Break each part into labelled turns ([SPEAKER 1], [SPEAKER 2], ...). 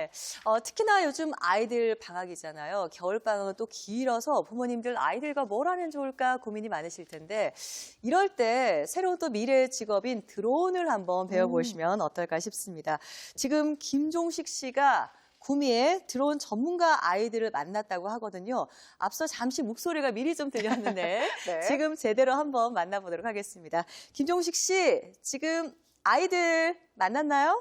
[SPEAKER 1] 네. 특히나 요즘 아이들 방학이잖아요. 겨울방학은 또 길어서 부모님들 아이들과 뭘 하면 좋을까 고민이 많으실 텐데 이럴 때 새로운 또 미래의 직업인 드론을 한번 배워보시면 어떨까 싶습니다. 지금 김종식 씨가 구미에 드론 전문가 아이들을 만났다고 하거든요. 앞서 잠시 목소리가 미리 좀 들렸는데
[SPEAKER 2] 네.
[SPEAKER 1] 지금 제대로 한번 만나보도록 하겠습니다. 김종식 씨, 지금 아이들 만났나요?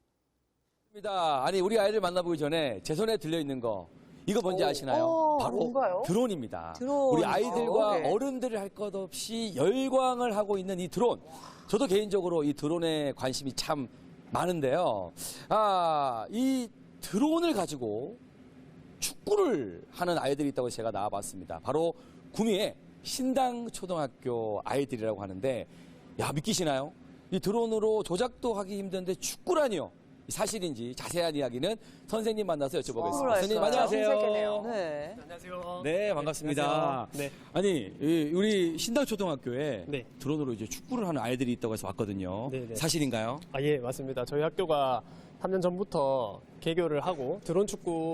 [SPEAKER 3] 아니 우리 아이들 만나보기 전에 제 손에 들려있는 거 이거 뭔지 아시나요? 바로
[SPEAKER 2] 뭔가요?
[SPEAKER 3] 드론입니다.
[SPEAKER 1] 드론이죠.
[SPEAKER 3] 우리 아이들과
[SPEAKER 2] 네.
[SPEAKER 3] 어른들을 할 것 없이 열광을 하고 있는 이 드론. 저도 개인적으로 이 드론에 관심이 참 많은데요. 이 드론을 가지고 축구를 하는 아이들이 있다고 제가 나와봤습니다. 바로 구미의 신당초등학교 아이들이라고 하는데, 야, 믿기시나요? 이 드론으로 조작도 하기 힘든데 축구라니요. 사실인지 자세한 이야기는 선생님 만나서 여쭤보겠습니다. 선생님 안녕하세요.
[SPEAKER 1] 네.
[SPEAKER 4] 안녕하세요.
[SPEAKER 3] 네, 반갑습니다.
[SPEAKER 4] 네.
[SPEAKER 3] 아니, 우리 신당초등학교에
[SPEAKER 4] 네.
[SPEAKER 3] 드론으로 이제 축구를 하는 아이들이 있다고 해서 왔거든요.
[SPEAKER 4] 네, 네.
[SPEAKER 3] 사실인가요?
[SPEAKER 4] 예, 맞습니다. 저희 학교가 3년 전부터 개교를 하고 드론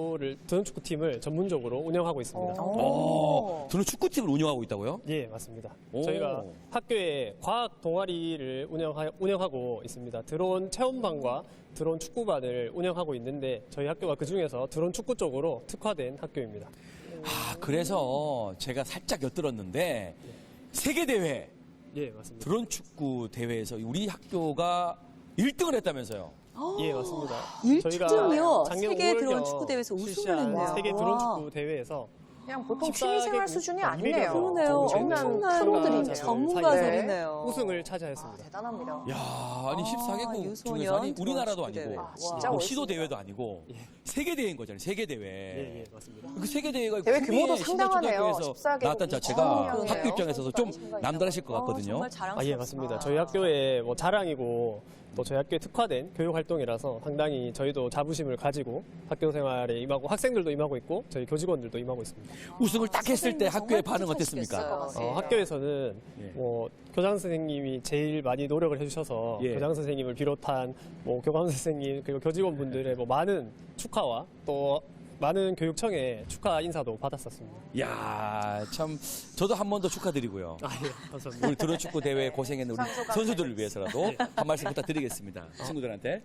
[SPEAKER 4] 축구팀을 전문적으로 운영하고 있습니다.
[SPEAKER 3] 드론 축구팀을 운영하고 있다고요?
[SPEAKER 4] 예, 맞습니다.
[SPEAKER 3] 오.
[SPEAKER 4] 저희가 학교에 과학 동아리를 운영하고 있습니다. 드론 체험반과 드론 축구반을 운영하고 있는데 저희 학교가 그중에서 드론 축구 쪽으로 특화된 학교입니다.
[SPEAKER 3] 그래서 제가 살짝 엿들었는데 세계대회
[SPEAKER 4] 예, 맞습니다.
[SPEAKER 3] 드론 축구 대회에서 우리 학교가 1등을 했다면서요?
[SPEAKER 4] 예, 맞습니다.
[SPEAKER 1] 1등이요?
[SPEAKER 4] 작년
[SPEAKER 1] 세계
[SPEAKER 4] 5월경
[SPEAKER 1] 드론 축구 대회에서 우승을
[SPEAKER 4] 실시한
[SPEAKER 1] 했네요.
[SPEAKER 4] 세계 드론 축구 대회에서
[SPEAKER 2] 그냥 보통
[SPEAKER 4] 14개국
[SPEAKER 2] 취미생활 수준이 아니네요.
[SPEAKER 1] 그러네요. 엄청난
[SPEAKER 2] 프로들이네요.
[SPEAKER 1] 전문가들이네요.
[SPEAKER 4] 우승을 차지했습니다.
[SPEAKER 2] 대단합니다.
[SPEAKER 3] 야, 아니 14개국
[SPEAKER 1] 유소년
[SPEAKER 3] 중에서 아니
[SPEAKER 1] 드론
[SPEAKER 3] 우리나라도
[SPEAKER 1] 축구
[SPEAKER 3] 아니고
[SPEAKER 1] 대회.
[SPEAKER 2] 진짜
[SPEAKER 3] 뭐 시도
[SPEAKER 2] 멋있습니다.
[SPEAKER 3] 대회도 아니고 세계대회인 거잖아요. 세계대회.
[SPEAKER 4] 예, 맞습니다.
[SPEAKER 3] 그 세계대회가
[SPEAKER 2] 대회
[SPEAKER 3] 구미의
[SPEAKER 2] 규모도 상당하네요.
[SPEAKER 3] 신당초등학교에서
[SPEAKER 2] 14개국
[SPEAKER 3] 나왔다는 자체가
[SPEAKER 2] 그러네요.
[SPEAKER 3] 학교 입장에서 좀 남다르실 것 같거든요.
[SPEAKER 1] 정말 자랑스럽습니다.
[SPEAKER 4] 예, 맞습니다. 저희 학교의 자랑이고 또 저희 학교에 특화된 교육 활동이라서 상당히 저희도 자부심을 가지고 학교 생활에 임하고 학생들도 임하고 있고 저희 교직원들도 임하고 있습니다.
[SPEAKER 3] 우승을 딱 했을 때
[SPEAKER 1] 선생님
[SPEAKER 3] 학교의
[SPEAKER 1] 정말
[SPEAKER 3] 반응
[SPEAKER 1] 뿌듯하시겠어요.
[SPEAKER 3] 어땠습니까?
[SPEAKER 4] 학교에서는
[SPEAKER 3] 예.
[SPEAKER 4] 교장 선생님이 제일 많이 노력을 해주셔서
[SPEAKER 3] 예.
[SPEAKER 4] 교장 선생님을 비롯한 교감 선생님 그리고 교직원분들의 많은 축하와 또 많은 교육청의 축하 인사도 받았었습니다.
[SPEAKER 3] 야, 참 저도 한 번 더 축하드리고요.
[SPEAKER 4] 예, 감사합니다.
[SPEAKER 3] 우리 드론 축구 대회 고생했는 우리 선수들을 위해서라도 한 말씀 부탁드리겠습니다. 친구들한테.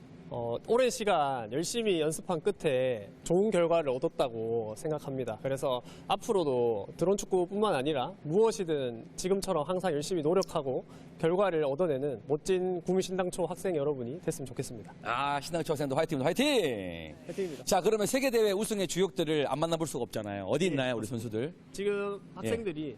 [SPEAKER 4] 오랜 시간 열심히 연습한 끝에 좋은 결과를 얻었다고 생각합니다. 그래서 앞으로도 드론 축구뿐만 아니라 무엇이든 지금처럼 항상 열심히 노력하고 결과를 얻어내는 멋진 구미신당초 학생 여러분이 됐으면 좋겠습니다.
[SPEAKER 3] 신당초 학생도 화이팅입니다. 화이팅!
[SPEAKER 4] 화이팅입니다.
[SPEAKER 3] 자, 그러면 세계대회 우승의 주역들을 안 만나볼 수가 없잖아요. 어디 있나요, 우리 선수들?
[SPEAKER 4] 지금 학생들이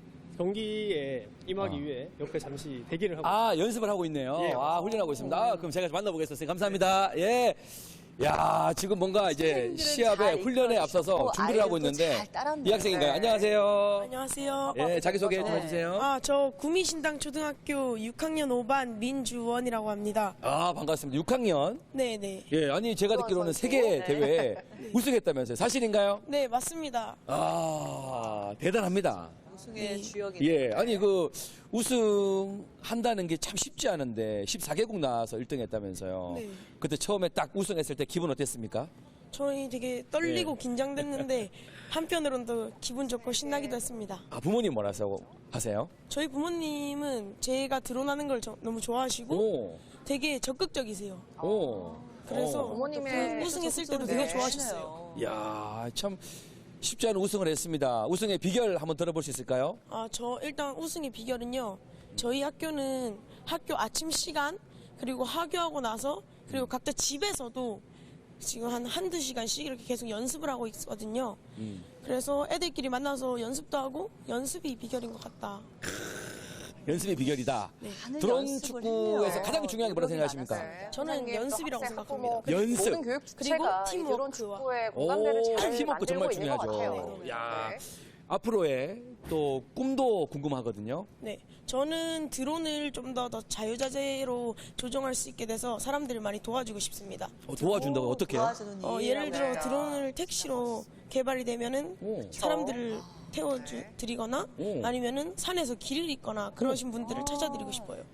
[SPEAKER 4] 경기에 임하기 위해 옆에 잠시 대기를 하고
[SPEAKER 3] 연습을 하고 있네요.
[SPEAKER 4] 예.
[SPEAKER 3] 훈련하고 있습니다. 그럼 제가 만나보겠습니다. 감사합니다. 예. 야, 지금 뭔가 이제 시합에
[SPEAKER 1] 잘
[SPEAKER 3] 훈련에 앞서서
[SPEAKER 1] 이끌어주셨고
[SPEAKER 3] 준비를 하고
[SPEAKER 1] 아이들도
[SPEAKER 3] 있는데
[SPEAKER 1] 잘 따랐네요.
[SPEAKER 3] 이 학생인가요?
[SPEAKER 2] 네.
[SPEAKER 3] 안녕하세요.
[SPEAKER 5] 안녕하세요.
[SPEAKER 3] 예, 자기소개 좀
[SPEAKER 1] 네.
[SPEAKER 3] 해주세요.
[SPEAKER 5] 저 구미신당초등학교 6학년 5반 민주원이라고 합니다.
[SPEAKER 3] 반갑습니다. 6학년.
[SPEAKER 5] 네네.
[SPEAKER 3] 예, 아니 제가 듣기로는 세계 대회에 우승했다면서요. 사실인가요?
[SPEAKER 5] 네, 맞습니다.
[SPEAKER 3] 대단합니다.
[SPEAKER 1] 우승의 주역이
[SPEAKER 3] 예, 아니 우승한다는 게 참 쉽지 않은데 14개국 나와서 1등 했다면서요.
[SPEAKER 5] 네.
[SPEAKER 3] 그때 처음에 딱 우승했을 때 기분 어땠습니까?
[SPEAKER 5] 저희 되게 떨리고 긴장됐는데 한편으로는 또 기분 좋고 신나기도 했습니다.
[SPEAKER 3] 부모님 뭐라서 하세요?
[SPEAKER 5] 저희 부모님은 제가 드론하는 걸 너무 좋아하시고
[SPEAKER 3] 오,
[SPEAKER 5] 되게 적극적이세요.
[SPEAKER 3] 오.
[SPEAKER 5] 그래서
[SPEAKER 2] 부모님의
[SPEAKER 5] 우승했을 때도 되게 좋아하셨어요.
[SPEAKER 3] 야, 참 쉽지 않은 우승을 했습니다. 우승의 비결 한번 들어볼 수 있을까요?
[SPEAKER 5] 저 일단 우승의 비결은요. 저희 학교는 학교 아침 시간 그리고 하교하고 나서 그리고 각자 집에서도 지금 한두 시간씩 이렇게 계속 연습을 하고 있거든요. 그래서 애들끼리 만나서 연습도 하고 연습이 비결인 것 같다.
[SPEAKER 3] 연습의 비결이다.
[SPEAKER 1] 많은
[SPEAKER 3] 드론
[SPEAKER 1] 연습을
[SPEAKER 3] 축구에서
[SPEAKER 1] 했네요.
[SPEAKER 3] 가장 중요한 게 뭐라 생각하십니까?
[SPEAKER 2] 네.
[SPEAKER 5] 저는
[SPEAKER 2] 선생님,
[SPEAKER 5] 연습이라고
[SPEAKER 2] 또 학생,
[SPEAKER 5] 생각합니다.
[SPEAKER 2] 학부모,
[SPEAKER 3] 연습.
[SPEAKER 2] 모든 교육
[SPEAKER 5] 그리고
[SPEAKER 2] 주체가 이 드론
[SPEAKER 5] 팀워크와.
[SPEAKER 2] 축구의 공감대를 잘
[SPEAKER 3] 팀워크 정말
[SPEAKER 2] 만들고 있는 것
[SPEAKER 3] 중요하죠.
[SPEAKER 2] 같아요.
[SPEAKER 3] 야,
[SPEAKER 2] 네.
[SPEAKER 3] 앞으로의 또 꿈도 궁금하거든요.
[SPEAKER 5] 네, 저는 드론을 좀 더 자유자재로 조정할 수 있게 돼서 사람들을 많이 도와주고 싶습니다.
[SPEAKER 3] 도와준다고 어떻게?
[SPEAKER 1] 도와주는
[SPEAKER 5] 예를 들어
[SPEAKER 2] 네.
[SPEAKER 5] 드론을 택시로 개발이 되면은
[SPEAKER 3] 오.
[SPEAKER 5] 사람들을 태워드리거나
[SPEAKER 3] 오.
[SPEAKER 5] 아니면은 산에서 길을 잇거나 그러신 분들을 찾아드리고 싶어요.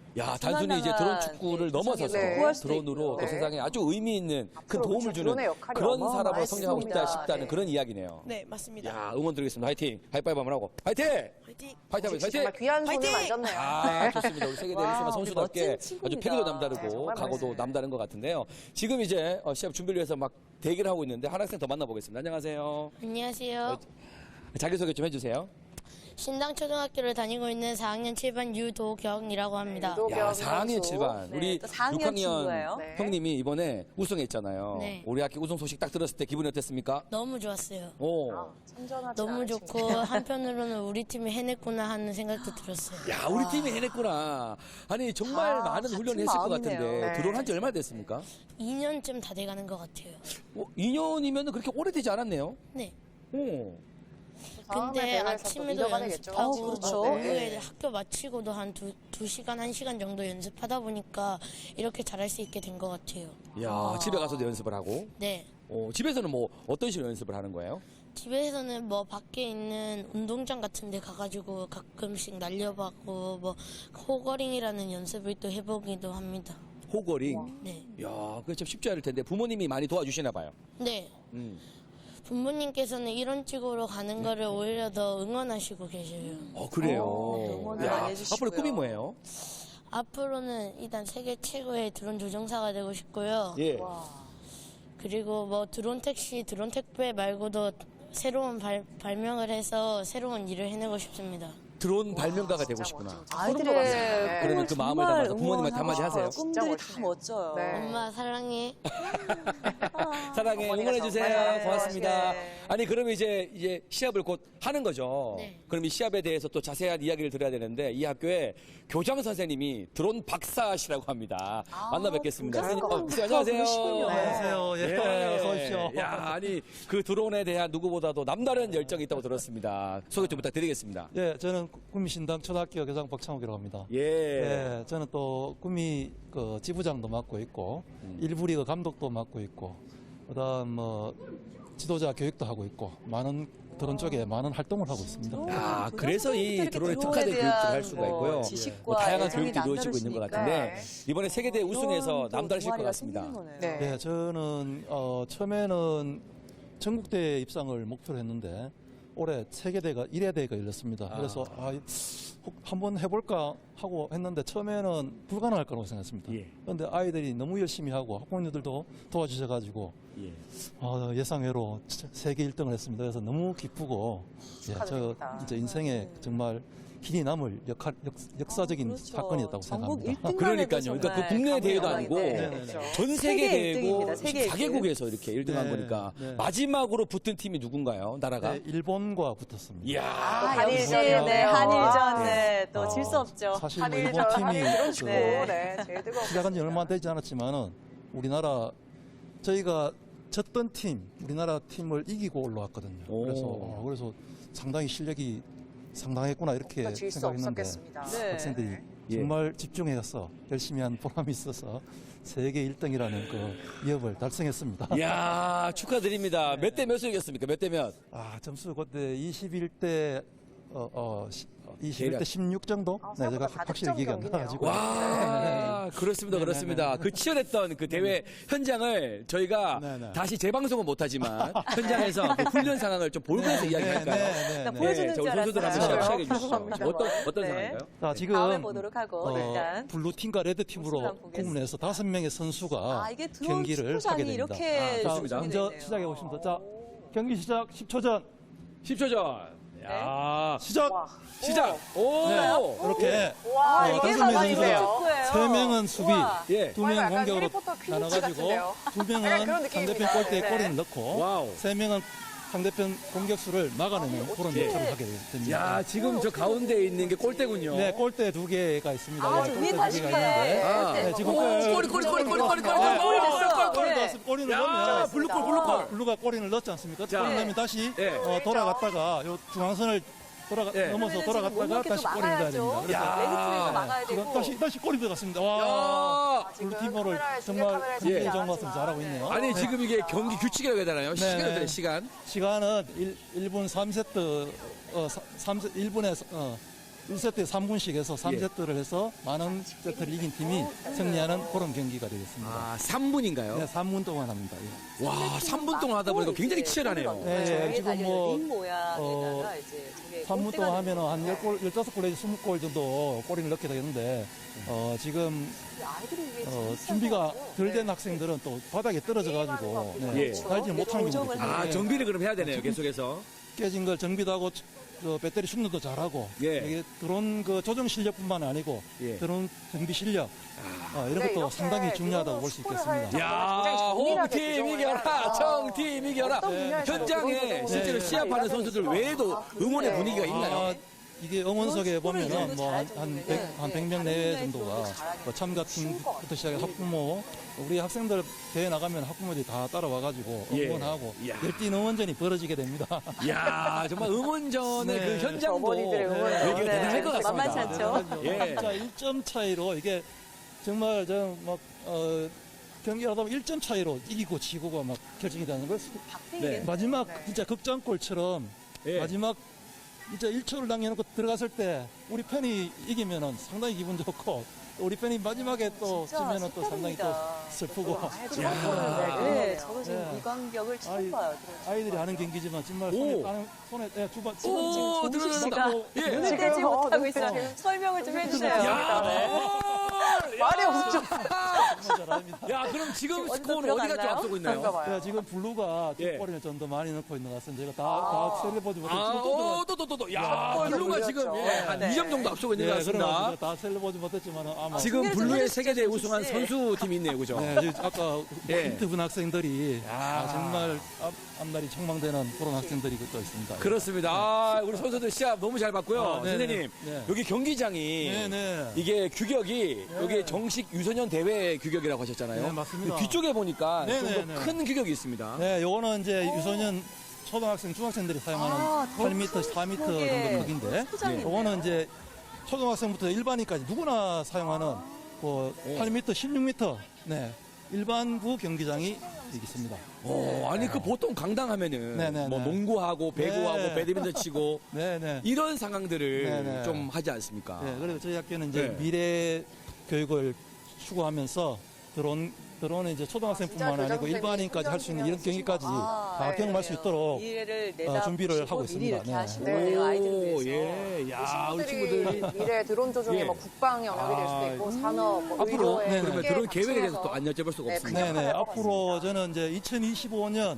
[SPEAKER 3] 야, 단순히 이제 드론
[SPEAKER 1] 중간당한,
[SPEAKER 3] 축구를
[SPEAKER 1] 네,
[SPEAKER 3] 넘어서서
[SPEAKER 2] 기상에
[SPEAKER 1] 구할 수도
[SPEAKER 3] 드론으로
[SPEAKER 1] 있고요.
[SPEAKER 3] 또
[SPEAKER 2] 네.
[SPEAKER 3] 세상에 아주 의미 있는 큰
[SPEAKER 2] 앞으로
[SPEAKER 3] 도움을
[SPEAKER 2] 그렇죠.
[SPEAKER 3] 주는
[SPEAKER 2] 드론의 역할이
[SPEAKER 3] 그런
[SPEAKER 2] 어마어마할
[SPEAKER 3] 사람으로 성장하고 싶다
[SPEAKER 1] 맞습니다.
[SPEAKER 3] 싶다는
[SPEAKER 2] 네.
[SPEAKER 3] 그런 이야기네요.
[SPEAKER 5] 네, 맞습니다.
[SPEAKER 3] 야, 응원 드리겠습니다. 화이팅! 하이파이브 한번 하고. 화이팅!
[SPEAKER 5] 화이팅!
[SPEAKER 3] 화이팅!
[SPEAKER 2] 역시
[SPEAKER 3] 화이팅!
[SPEAKER 2] 정말 귀한 손을
[SPEAKER 5] 화이팅!
[SPEAKER 2] 만졌네요.
[SPEAKER 3] 아, 좋습니다. 우리 세계대
[SPEAKER 1] 와,
[SPEAKER 3] 우승한
[SPEAKER 1] 우리
[SPEAKER 3] 선수답게
[SPEAKER 1] 멋진
[SPEAKER 3] 아주
[SPEAKER 1] 친구입니다.
[SPEAKER 3] 패기도 남다르고
[SPEAKER 2] 네, 정말
[SPEAKER 3] 각오도
[SPEAKER 2] 멋있어요.
[SPEAKER 3] 남다른 것 같은데요. 지금 이제 시합 준비를 위해서 막 대기를 하고 있는데 한 학생 더 만나보겠습니다. 안녕하세요.
[SPEAKER 6] 안녕하세요.
[SPEAKER 3] 자기소개 좀 해주세요.
[SPEAKER 6] 신당초등학교를 다니고 있는 4학년 7반 유도경이라고 합니다.
[SPEAKER 2] 유도-
[SPEAKER 3] 야,
[SPEAKER 2] 선수.
[SPEAKER 3] 4학년 7반.
[SPEAKER 1] 네,
[SPEAKER 3] 우리
[SPEAKER 1] 또 4학년
[SPEAKER 3] 6학년
[SPEAKER 1] 친구예요.
[SPEAKER 2] 네.
[SPEAKER 3] 형님이 이번에 우승했잖아요.
[SPEAKER 6] 네.
[SPEAKER 3] 우리 학교 우승 소식 딱 들었을 때 기분이 어땠습니까?
[SPEAKER 6] 너무 좋았어요.
[SPEAKER 3] 오.
[SPEAKER 2] 참전하지
[SPEAKER 6] 너무
[SPEAKER 2] 않은
[SPEAKER 6] 좋고
[SPEAKER 2] 친구.
[SPEAKER 6] 한편으로는 우리 팀이 해냈구나 하는 생각도 들었어요.
[SPEAKER 3] 야, 우리 팀이 해냈구나. 아니, 정말
[SPEAKER 1] 아,
[SPEAKER 3] 많은
[SPEAKER 1] 같은
[SPEAKER 3] 훈련을 했을 것
[SPEAKER 1] 마음이네요.
[SPEAKER 3] 같은데
[SPEAKER 2] 네.
[SPEAKER 3] 드론 한 지 얼마 됐습니까?
[SPEAKER 6] 2년쯤 다 돼가는 것 같아요.
[SPEAKER 3] 2년이면 그렇게 오래되지 않았네요.
[SPEAKER 6] 네.
[SPEAKER 3] 오.
[SPEAKER 2] 다음에
[SPEAKER 6] 근데
[SPEAKER 2] 대회에서 또
[SPEAKER 6] 아침에도
[SPEAKER 2] 리더가 되겠죠.
[SPEAKER 6] 연습하고
[SPEAKER 1] 그렇죠.
[SPEAKER 6] 오후에 학교 마치고도 한 2시간, 1시간 정도 연습하다 보니까 이렇게 잘할 수 있게 된 것 같아요.
[SPEAKER 3] 야, 집에 가서도 연습을 하고.
[SPEAKER 6] 네.
[SPEAKER 3] 집에서는 뭐 어떤 식으로 연습을 하는 거예요?
[SPEAKER 6] 집에서는 뭐 밖에 있는 운동장 같은 데 가가지고 가끔씩 날려봤고 뭐 호거링이라는 연습을 또 해보기도 합니다.
[SPEAKER 3] 호거링.
[SPEAKER 6] 네.
[SPEAKER 3] 야, 그게 참 쉽지 않을 텐데 부모님이 많이 도와주시나 봐요.
[SPEAKER 6] 네.
[SPEAKER 3] 음.
[SPEAKER 6] 부모님께서는 이런 쪽으로 가는 거를 오히려 더 응원하시고 계셔요.
[SPEAKER 3] 그래요.
[SPEAKER 1] 응원을
[SPEAKER 3] 야,
[SPEAKER 1] 많이 해주시고요.
[SPEAKER 3] 앞으로 꿈이 뭐예요?
[SPEAKER 6] 앞으로는 일단 세계 최고의 드론 조종사가 되고 싶고요.
[SPEAKER 3] 예.
[SPEAKER 6] 그리고 뭐 드론 택시, 드론 택배 말고도 새로운 발명을 해서 새로운 일을 해내고 싶습니다.
[SPEAKER 3] 드론 발명가가 되고 싶구나.
[SPEAKER 1] 아이들의
[SPEAKER 2] 네.
[SPEAKER 3] 그러면
[SPEAKER 1] 꿈을
[SPEAKER 3] 그 마음을
[SPEAKER 1] 정말
[SPEAKER 3] 담아서 부모님한테 한마디
[SPEAKER 1] 응원하고
[SPEAKER 3] 하세요.
[SPEAKER 1] 싶어요. 꿈들이 다
[SPEAKER 2] 진짜
[SPEAKER 1] 멋져요.
[SPEAKER 2] 네.
[SPEAKER 6] 엄마 사랑해.
[SPEAKER 3] 사랑해,
[SPEAKER 2] 어머니가
[SPEAKER 3] 응원해주세요.
[SPEAKER 2] 정말
[SPEAKER 3] 고맙습니다.
[SPEAKER 1] 네.
[SPEAKER 3] 아니, 그러면 이제 시합을 곧 하는 거죠.
[SPEAKER 6] 네.
[SPEAKER 3] 그럼 이 시합에 대해서 또 자세한 이야기를 들어야 되는데 이 학교에 교장 선생님이 드론 박사시라고 합니다. 만나 뵙겠습니다.
[SPEAKER 1] 교장
[SPEAKER 3] 선생님,
[SPEAKER 1] 박사
[SPEAKER 3] 안녕하세요.
[SPEAKER 1] 그러시군요.
[SPEAKER 7] 안녕하세요. 예, 어서 오십시오.
[SPEAKER 3] 야, 아니, 그 드론에 대한 누구보다도 남다른 열정이 있다고 들었습니다. 소개 좀 부탁드리겠습니다.
[SPEAKER 7] 예, 저는 구미신당 초등학교 교장 박창욱이라고 합니다.
[SPEAKER 3] 예.
[SPEAKER 7] 예, 저는 또 구미 그 지부장도 맡고 있고 일부 리그 감독도 맡고 있고 그다음 뭐 지도자 교육도 하고 있고 많은 드론 쪽에 많은 활동을 하고 있습니다.
[SPEAKER 3] 아, 그래서 이
[SPEAKER 1] 이렇게
[SPEAKER 3] 드론에
[SPEAKER 1] 드론에
[SPEAKER 3] 특화된 교육들을
[SPEAKER 1] 대한
[SPEAKER 3] 할 수가
[SPEAKER 1] 뭐
[SPEAKER 3] 있고요.
[SPEAKER 1] 지식과
[SPEAKER 3] 뭐 다양한
[SPEAKER 1] 애정이
[SPEAKER 3] 교육도 이루어지고 있는 것
[SPEAKER 1] 남다르시니까.
[SPEAKER 3] 같은데 이번에 세계대회 우승해서
[SPEAKER 1] 이런 또
[SPEAKER 3] 남다르실 것
[SPEAKER 1] 동아리가
[SPEAKER 3] 같습니다.
[SPEAKER 1] 생기는 거네요.
[SPEAKER 2] 네.
[SPEAKER 7] 예, 저는 처음에는 전국대회 입상을 목표로 했는데 올해 세계대회가 1회대회가 열렸습니다. 그래서 혹 한번 해볼까 하고 했는데 처음에는 불가능할 거라고 생각했습니다.
[SPEAKER 3] 예.
[SPEAKER 7] 그런데 아이들이 너무 열심히 하고 학부모님들도 도와주셔가지고
[SPEAKER 3] 예.
[SPEAKER 7] 예상외로 세계 1등을 했습니다. 그래서 너무 기쁘고 저
[SPEAKER 2] 축하드립니다.
[SPEAKER 7] 진짜 인생에 정말 길이 남을 역사적인
[SPEAKER 1] 그렇죠.
[SPEAKER 7] 사건이었다고
[SPEAKER 1] 전국
[SPEAKER 7] 생각합니다.
[SPEAKER 1] 1등만
[SPEAKER 3] 그러니까요.
[SPEAKER 1] 해도
[SPEAKER 3] 그러니까 그
[SPEAKER 1] 정말
[SPEAKER 3] 국내 대회도
[SPEAKER 1] 감회가
[SPEAKER 3] 아니고
[SPEAKER 1] 있는데.
[SPEAKER 3] 전 세계
[SPEAKER 1] 세계
[SPEAKER 3] 대회고
[SPEAKER 1] 1등입니다. 세계
[SPEAKER 3] 14개국에서 이렇게 1등한
[SPEAKER 7] 네,
[SPEAKER 3] 거니까
[SPEAKER 7] 네.
[SPEAKER 3] 마지막으로 붙은 팀이 누군가요? 나라가?
[SPEAKER 7] 네, 일본과 붙었습니다.
[SPEAKER 3] 이야.
[SPEAKER 1] 아, 역시
[SPEAKER 2] 한일전이요.
[SPEAKER 1] 네, 한일전
[SPEAKER 2] 아,
[SPEAKER 1] 네, 또 질 수 없죠.
[SPEAKER 7] 사실 뭐
[SPEAKER 2] 한일전,
[SPEAKER 7] 일본 팀이
[SPEAKER 2] 한일 드론 축구.
[SPEAKER 1] 네.
[SPEAKER 2] 네, 제일 뜨거워.
[SPEAKER 7] 시작한 지 얼마 되지 않았지만은 우리나라 저희가 졌던 팀, 우리나라 팀을 이기고 올라왔거든요.
[SPEAKER 3] 오.
[SPEAKER 7] 그래서 상당히 실력이 상당했구나 이렇게
[SPEAKER 2] 그러니까 질수
[SPEAKER 7] 생각했는데
[SPEAKER 2] 없었겠습니다.
[SPEAKER 1] 네.
[SPEAKER 7] 학생들이
[SPEAKER 3] 예.
[SPEAKER 7] 정말 집중해서 열심히 한 보람이 있어서 세계 1등이라는 그 위협을 달성했습니다.
[SPEAKER 3] 이야, 축하드립니다. 몇 대 몇을 이겼습니까? 몇 대 몇?
[SPEAKER 7] 점수 그때 21대 21대 16 정도? 네, 제가
[SPEAKER 2] 생각보다
[SPEAKER 7] 확실히 기억이 안
[SPEAKER 2] 다득점
[SPEAKER 7] 나가지고.
[SPEAKER 3] 와, 그렇습니다, 그렇습니다. 그 치열했던 그 대회 현장을 저희가
[SPEAKER 7] 네, 네.
[SPEAKER 3] 다시 재방송은 못하지만 현장에서 그 훈련 상황을 좀 보면서 이야기할까요?
[SPEAKER 1] 나 보여주는
[SPEAKER 3] 자,
[SPEAKER 1] 줄
[SPEAKER 3] 우리 선수들 한번
[SPEAKER 1] 알았어요.
[SPEAKER 3] 시작해 주시죠.
[SPEAKER 2] 죄송합니다.
[SPEAKER 3] 어떤
[SPEAKER 1] 네.
[SPEAKER 3] 상황인가요?
[SPEAKER 7] 자, 지금
[SPEAKER 1] 다음에 보도록 하고 일단
[SPEAKER 7] 블루 팀과 레드
[SPEAKER 1] 모습을
[SPEAKER 7] 팀으로
[SPEAKER 1] 한번 보겠습니다.
[SPEAKER 7] 구분해서 5명의 선수가
[SPEAKER 1] 아, 이게 드론
[SPEAKER 7] 경기를
[SPEAKER 1] 축구장이
[SPEAKER 7] 하게 됩니다.
[SPEAKER 1] 이렇게
[SPEAKER 7] 자,
[SPEAKER 3] 좋습니다.
[SPEAKER 7] 먼저
[SPEAKER 1] 조성이
[SPEAKER 7] 시작해
[SPEAKER 1] 되네요.
[SPEAKER 7] 보십니다. 자, 경기 시작 10초 전
[SPEAKER 3] 10초 전. 야,
[SPEAKER 7] 시작.
[SPEAKER 3] 시작. 오.
[SPEAKER 7] 네, 이렇게
[SPEAKER 2] 와,
[SPEAKER 7] 어,
[SPEAKER 2] 이게
[SPEAKER 7] 다섯 명의
[SPEAKER 2] 사나이네요.
[SPEAKER 7] 선수가
[SPEAKER 1] 축구예요.
[SPEAKER 7] 3명은 수비,
[SPEAKER 1] 우와.
[SPEAKER 3] 예.
[SPEAKER 7] 2명
[SPEAKER 2] 약간
[SPEAKER 7] 공격으로
[SPEAKER 2] 해리포터 퀴즈
[SPEAKER 7] 나눠가지고
[SPEAKER 2] 같은데요?
[SPEAKER 7] 2명은
[SPEAKER 2] 약간 그런
[SPEAKER 7] 상대편
[SPEAKER 2] 느낌입니다.
[SPEAKER 7] 골대에
[SPEAKER 2] 네.
[SPEAKER 7] 골을 넣고
[SPEAKER 3] 와우.
[SPEAKER 7] 3명은 상대편 공격수를 막아내는 그런
[SPEAKER 3] 예.
[SPEAKER 7] 역할을 하게 됩니다.
[SPEAKER 3] 야, 지금 저 가운데 있는 게 골대군요.
[SPEAKER 7] 네, 골대 2개가 있습니다.
[SPEAKER 1] 아,
[SPEAKER 7] 예,
[SPEAKER 1] 저
[SPEAKER 7] 골대
[SPEAKER 1] 위에
[SPEAKER 7] 2개가
[SPEAKER 1] 다시
[SPEAKER 7] 있는데
[SPEAKER 3] 아.
[SPEAKER 7] 네, 지금
[SPEAKER 3] 꼬리
[SPEAKER 1] 골이 됐어.
[SPEAKER 7] 골이
[SPEAKER 1] 네.
[SPEAKER 7] 넣었습니다. 골을
[SPEAKER 3] 야,
[SPEAKER 7] 넣으면
[SPEAKER 3] 블루골.
[SPEAKER 7] 블루가 골을 넣지 않습니까?
[SPEAKER 3] 자.
[SPEAKER 7] 골을 넣으면 다시
[SPEAKER 3] 예.
[SPEAKER 7] 돌아갔다가 요 중앙선을
[SPEAKER 3] 예.
[SPEAKER 7] 넘어서 돌아갔다가 다시 골을 넣어야 됩니다. 그래서
[SPEAKER 3] 야.
[SPEAKER 1] 레드 팀에서 막아야
[SPEAKER 7] 지금
[SPEAKER 1] 되고.
[SPEAKER 7] 다시 골이 들어갔습니다.
[SPEAKER 3] 야.
[SPEAKER 7] 와,
[SPEAKER 2] 지금
[SPEAKER 7] 블루 팀으로
[SPEAKER 2] 카메라에
[SPEAKER 7] 정말
[SPEAKER 2] 카메라에
[SPEAKER 7] 굉장히
[SPEAKER 3] 예.
[SPEAKER 7] 좋은 것 같습니다. 잘하고 있네요.
[SPEAKER 3] 아니, 지금 이게 경기 규칙이라고 해야 되나요?
[SPEAKER 7] 네,
[SPEAKER 3] 시간
[SPEAKER 7] 네.
[SPEAKER 3] 어때요, 시간?
[SPEAKER 7] 시간은 1분 3세트 1분에 1세트에 3분씩 해서 3세트를 해서 많은 세트를 이긴 팀이 승리하는 그런 경기가 되겠습니다.
[SPEAKER 3] 아, 3분인가요?
[SPEAKER 7] 네, 3분 동안 합니다. 예.
[SPEAKER 3] 와, 3분 동안 하다 보니까 굉장히 치열하네요.
[SPEAKER 7] 네, 지금 뭐,
[SPEAKER 1] 링 모양에다가 이제 저게
[SPEAKER 7] 3분
[SPEAKER 1] 골대가
[SPEAKER 7] 동안 하면 한
[SPEAKER 1] 되는
[SPEAKER 7] 10골, 15골 내지 20골 정도 골을 넣게 되는데, 지금
[SPEAKER 1] 아이들이 이게
[SPEAKER 7] 준비가 덜 된 학생들은 또 바닥에 떨어져가지고
[SPEAKER 3] 예.
[SPEAKER 7] 달지 못하는 경우도 있거든요.
[SPEAKER 3] 아, 정비를 그럼 해야 되네요, 계속해서.
[SPEAKER 7] 깨진 걸 정비도 하고 배터리 충전도 잘하고
[SPEAKER 3] 예.
[SPEAKER 7] 이게 드론 그 조정 실력뿐만 아니고
[SPEAKER 3] 예.
[SPEAKER 7] 드론 정비 실력 이런
[SPEAKER 2] 네,
[SPEAKER 7] 것도
[SPEAKER 2] 이렇게
[SPEAKER 7] 상당히 중요하다고
[SPEAKER 2] 드론
[SPEAKER 7] 볼 수
[SPEAKER 2] 축구를 할
[SPEAKER 7] 있겠습니다.
[SPEAKER 3] 야,
[SPEAKER 2] 굉장히 정밀하게
[SPEAKER 3] 홈팀
[SPEAKER 2] 조정을
[SPEAKER 3] 이겨라,
[SPEAKER 2] 해서
[SPEAKER 3] 청팀 이겨라.
[SPEAKER 2] 어떤 분야에서도
[SPEAKER 3] 현장에
[SPEAKER 2] 드론
[SPEAKER 3] 실제로
[SPEAKER 2] 조정을
[SPEAKER 3] 시합하는
[SPEAKER 2] 해야
[SPEAKER 3] 선수들
[SPEAKER 2] 되니까.
[SPEAKER 3] 외에도 응원의 분위기가 있나요?
[SPEAKER 7] 아, 이게 응원석에
[SPEAKER 1] 축구를
[SPEAKER 7] 보면은
[SPEAKER 1] 이정도
[SPEAKER 7] 뭐
[SPEAKER 1] 잘할
[SPEAKER 7] 한
[SPEAKER 1] 정도면은
[SPEAKER 7] 100명 내외 정도가
[SPEAKER 1] 잘하겠다.
[SPEAKER 7] 뭐 참가팀부터 시작해 학부모 우리 학생들 대회 나가면 학부모들이 다 따라와가지고
[SPEAKER 3] 예.
[SPEAKER 7] 응원하고
[SPEAKER 3] 이야.
[SPEAKER 7] 열띤 응원전이 벌어지게 됩니다.
[SPEAKER 3] 이야, 정말 응원전의
[SPEAKER 7] 네.
[SPEAKER 3] 그 현장도
[SPEAKER 2] 어머니들의 응원을.
[SPEAKER 3] 여기가
[SPEAKER 2] 네.
[SPEAKER 3] 대단할 것 같습니다.
[SPEAKER 1] 만만치 않죠?
[SPEAKER 3] 예.
[SPEAKER 7] 진짜 1점 차이로 이게 정말 경기하다 보면 1점 차이로 이기고 지고가 막 결정이 되는 걸
[SPEAKER 3] 네.
[SPEAKER 7] 마지막 진짜 극장골처럼
[SPEAKER 3] 예.
[SPEAKER 7] 마지막 진짜 1초를 남겨놓고 들어갔을 때 우리 팬이 이기면은 상당히 기분 좋고 우리 팬이 마지막에 또
[SPEAKER 1] 진짜
[SPEAKER 7] 지면은 또 상당히 또
[SPEAKER 1] 색다릅니다.
[SPEAKER 7] 슬프고
[SPEAKER 1] 네, 저도 지금
[SPEAKER 7] 네.
[SPEAKER 1] 이 간격을 처음
[SPEAKER 7] 아이,
[SPEAKER 1] 봐요.
[SPEAKER 7] 아이들이 하는 경기지만 정말
[SPEAKER 3] 오.
[SPEAKER 7] 손에 두번
[SPEAKER 3] 오,
[SPEAKER 1] 정식 씨가
[SPEAKER 3] 들어간다. 예.
[SPEAKER 1] 눈을
[SPEAKER 2] 지금,
[SPEAKER 1] 떼지 못하고
[SPEAKER 2] 눈
[SPEAKER 1] 있어요.
[SPEAKER 2] 떼지.
[SPEAKER 1] 설명을 좀 해주세요.
[SPEAKER 3] 야,
[SPEAKER 2] 말이 없죠.
[SPEAKER 7] 정말 잘합니다.
[SPEAKER 3] 야, 그럼 지금
[SPEAKER 1] 어디서
[SPEAKER 3] 스코어는 어디가 좀
[SPEAKER 1] 들어갔나요?
[SPEAKER 3] 앞서고 있나요?
[SPEAKER 2] 그런가 봐요.
[SPEAKER 7] 지금 블루가
[SPEAKER 3] 예.
[SPEAKER 7] 두 골을 좀 더 많이 넣고 있는 것 같습니다. 제가 다 셀레보지 못했지만
[SPEAKER 3] 아, 또. 야, 블루가 지금 예, 한
[SPEAKER 2] 네.
[SPEAKER 3] 2점 정도 앞서고 있는 것 같습니다.
[SPEAKER 7] 다 셀레보지 못했지만 아마
[SPEAKER 3] 지금
[SPEAKER 1] 중계 좀
[SPEAKER 3] 블루의
[SPEAKER 1] 해주시죠,
[SPEAKER 3] 세계대회
[SPEAKER 1] 정식
[SPEAKER 3] 우승한
[SPEAKER 1] 씨.
[SPEAKER 3] 선수팀이 있네요, 그죠?
[SPEAKER 7] 네, 지금 아까
[SPEAKER 3] 예.
[SPEAKER 7] 인터뷰 학생들이
[SPEAKER 3] 야.
[SPEAKER 7] 정말 앞날이 촉망되는 그런 학생들이 또 있습니다.
[SPEAKER 3] 그렇습니다. 아, 우리 선수들 시합 너무 잘 봤고요.
[SPEAKER 7] 아, 네네.
[SPEAKER 3] 선생님,
[SPEAKER 7] 네.
[SPEAKER 3] 여기 경기장이
[SPEAKER 7] 네네.
[SPEAKER 3] 이게 규격이 여기 정식 유소년 대회 규격이라고 하셨잖아요.
[SPEAKER 7] 네, 맞습니다.
[SPEAKER 3] 뒤쪽에 보니까
[SPEAKER 7] 네네네.
[SPEAKER 3] 좀 더 큰 규격이 있습니다.
[SPEAKER 7] 네, 요거는 이제 유소년 초등학생, 중학생들이 사용하는
[SPEAKER 1] 더
[SPEAKER 7] 8m, 4m
[SPEAKER 1] 크게.
[SPEAKER 7] 정도 크기인데,
[SPEAKER 1] 포장이네요.
[SPEAKER 7] 요거는 이제 초등학생부터 일반인까지 누구나 사용하는 그 8m, 16m, 네, 일반부 경기장이 있습니다.
[SPEAKER 3] 아니 그 보통 강당하면은
[SPEAKER 7] 네네네.
[SPEAKER 3] 뭐 농구하고 배구하고
[SPEAKER 7] 네.
[SPEAKER 3] 배드민턴 치고
[SPEAKER 7] 네네.
[SPEAKER 3] 이런 상황들을
[SPEAKER 7] 네네.
[SPEAKER 3] 좀 하지 않습니까?
[SPEAKER 7] 네, 그래서 저희 학교는 이제
[SPEAKER 3] 네.
[SPEAKER 7] 미래 교육을 추구하면서 드론은 이제 초등학생뿐만
[SPEAKER 2] 진짜
[SPEAKER 7] 아니고
[SPEAKER 2] 교장선생님이
[SPEAKER 7] 일반인까지 할 수 있는 이런 경기까지 다 경험할 수 있도록
[SPEAKER 1] 미래를
[SPEAKER 7] 준비를 하고
[SPEAKER 1] 미리
[SPEAKER 7] 있습니다.
[SPEAKER 1] 이렇게
[SPEAKER 7] 네.
[SPEAKER 1] 하시는데요, 아이들을 위해서.
[SPEAKER 3] 예, 야, 우리
[SPEAKER 2] 친구들이
[SPEAKER 3] 친구들
[SPEAKER 2] 미래 드론 조종이
[SPEAKER 3] 예.
[SPEAKER 2] 뭐 국방 영역이 될 수도 있고 산업, 뭐
[SPEAKER 3] 앞으로
[SPEAKER 2] 의료에
[SPEAKER 7] 네네.
[SPEAKER 3] 그러면
[SPEAKER 2] 함께
[SPEAKER 3] 그런 계획에 대해서
[SPEAKER 2] 같이
[SPEAKER 3] 또 안 여쭤볼 수가
[SPEAKER 2] 네,
[SPEAKER 3] 없습니다.
[SPEAKER 2] 그냥
[SPEAKER 7] 네네.
[SPEAKER 2] 할것
[SPEAKER 7] 앞으로 저는 이제 2025년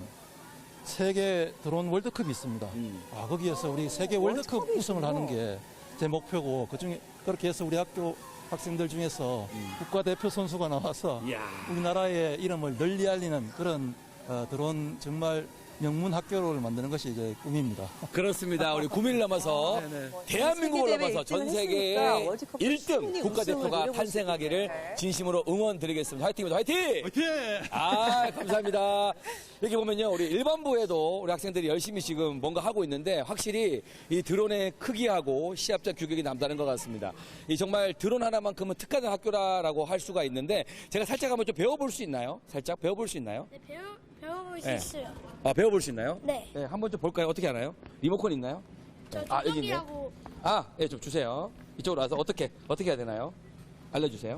[SPEAKER 7] 세계 드론 월드컵이 있습니다. 거기에서 우리 세계 월드컵 우승을 하는 게 제 목표고 그중에 그렇게 해서 우리 학교 학생들 중에서 국가대표 선수가 나와서
[SPEAKER 3] 이야.
[SPEAKER 7] 우리나라의 이름을 널리 알리는 그런 드론 정말 명문 학교를 만드는 것이 이제 꿈입니다.
[SPEAKER 3] 그렇습니다. 우리 9일 넘어서
[SPEAKER 7] 네네.
[SPEAKER 3] 대한민국을
[SPEAKER 1] 세계대회
[SPEAKER 3] 넘어서 전
[SPEAKER 1] 일등을
[SPEAKER 3] 세계
[SPEAKER 1] 했으니까 월드컵
[SPEAKER 3] 1등
[SPEAKER 1] 충분히
[SPEAKER 3] 국가대표가
[SPEAKER 1] 우승을 이뤄볼 수
[SPEAKER 3] 탄생하기를
[SPEAKER 2] 있겠네.
[SPEAKER 3] 진심으로 응원드리겠습니다. 화이팅입니다. 화이팅!
[SPEAKER 7] 화이팅!
[SPEAKER 3] 아, 감사합니다. 이렇게 보면요, 우리 일반부에도 우리 학생들이 열심히 지금 뭔가 하고 있는데 확실히 이 드론의 크기하고 시합자 규격이 남다른 것 같습니다. 이 정말 드론 하나만큼은 특화된 학교라고 할 수가 있는데 제가 살짝 한번 좀 배워볼 수 있나요? 살짝 배워볼 수 있나요?
[SPEAKER 6] 네, 배워볼 수
[SPEAKER 3] 네.
[SPEAKER 6] 있어요.
[SPEAKER 3] 아, 배워볼 수 있나요?
[SPEAKER 6] 네.
[SPEAKER 3] 네, 한번 좀 볼까요? 어떻게 하나요? 리모컨 있나요? 아, 여기 있네요.
[SPEAKER 6] 조정이라고
[SPEAKER 3] 아, 예, 좀 주세요. 이쪽으로 와서 어떻게 해야 되나요? 알려주세요.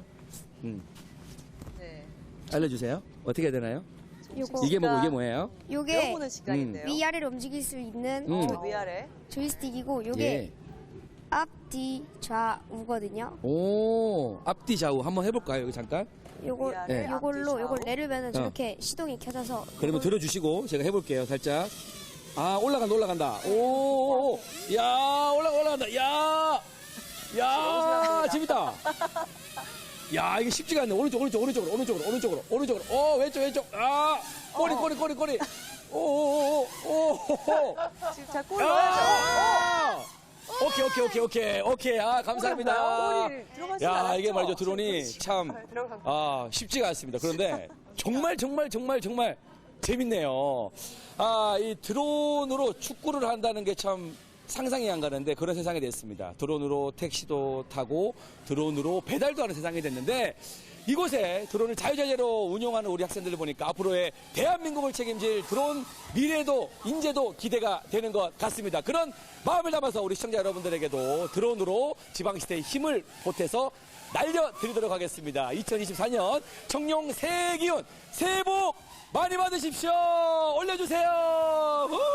[SPEAKER 1] 네.
[SPEAKER 3] 알려주세요. 어떻게 해야 되나요?
[SPEAKER 6] 요거
[SPEAKER 3] 이게 뭐고 이게 뭐예요?
[SPEAKER 6] 요게
[SPEAKER 1] 배워보는 시간인데요.
[SPEAKER 6] 위아래로 움직일 수 있는
[SPEAKER 1] 위아래.
[SPEAKER 6] 조이스틱이고 요게
[SPEAKER 3] 예.
[SPEAKER 6] 앞뒤 좌우거든요.
[SPEAKER 3] 오, 앞뒤 좌우 한번 해볼까요? 여기 잠깐.
[SPEAKER 6] 요거
[SPEAKER 1] 위아래,
[SPEAKER 6] 요걸로
[SPEAKER 1] 앞뒤,
[SPEAKER 6] 요걸
[SPEAKER 1] 좌우.
[SPEAKER 6] 내리면은 저렇게 시동이 켜져서
[SPEAKER 3] 그러면 들어주시고 제가 해볼게요. 살짝. 아, 올라간다. 오, 야, 올라간다. 야, 재밌다. 야, 이게 쉽지가 않네. 오른쪽으로. 왼쪽. 아, 꼬리. 오.
[SPEAKER 1] 지금 자, 골 넣어야죠.
[SPEAKER 3] 오케이. 아, 감사합니다.
[SPEAKER 1] 골이 들어가지
[SPEAKER 3] 야,
[SPEAKER 1] 않았죠?
[SPEAKER 3] 이게 말이죠. 드론이 참, 쉽지가 않습니다. 그런데 정말 재밌네요. 아, 이 드론으로 축구를 한다는 게 참 상상이 안 가는데 그런 세상이 됐습니다. 드론으로 택시도 타고 드론으로 배달도 하는 세상이 됐는데 이곳에 드론을 자유자재로 운용하는 우리 학생들을 보니까 앞으로의 대한민국을 책임질 드론 미래도 인재도 기대가 되는 것 같습니다. 그런 마음을 담아서 우리 시청자 여러분들에게도 드론으로 지방시대의 힘을 보태서 날려드리도록 하겠습니다. 2024년 청룡 새해 기운 새해 복 많이 받으십시오. 올려주세요. 우!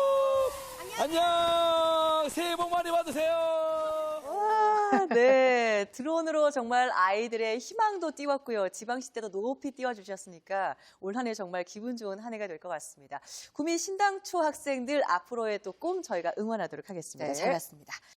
[SPEAKER 3] 안녕. 새해 복 많이 받으세요.
[SPEAKER 1] 와, 네. 드론으로 정말 아이들의 희망도 띄웠고요. 지방시대도 높이 띄워주셨으니까 올 한 해 정말 기분 좋은 한 해가 될 것 같습니다. 구미 신당초 학생들 앞으로의 또 꿈 저희가 응원하도록 하겠습니다.
[SPEAKER 2] 네.
[SPEAKER 1] 잘 봤습니다.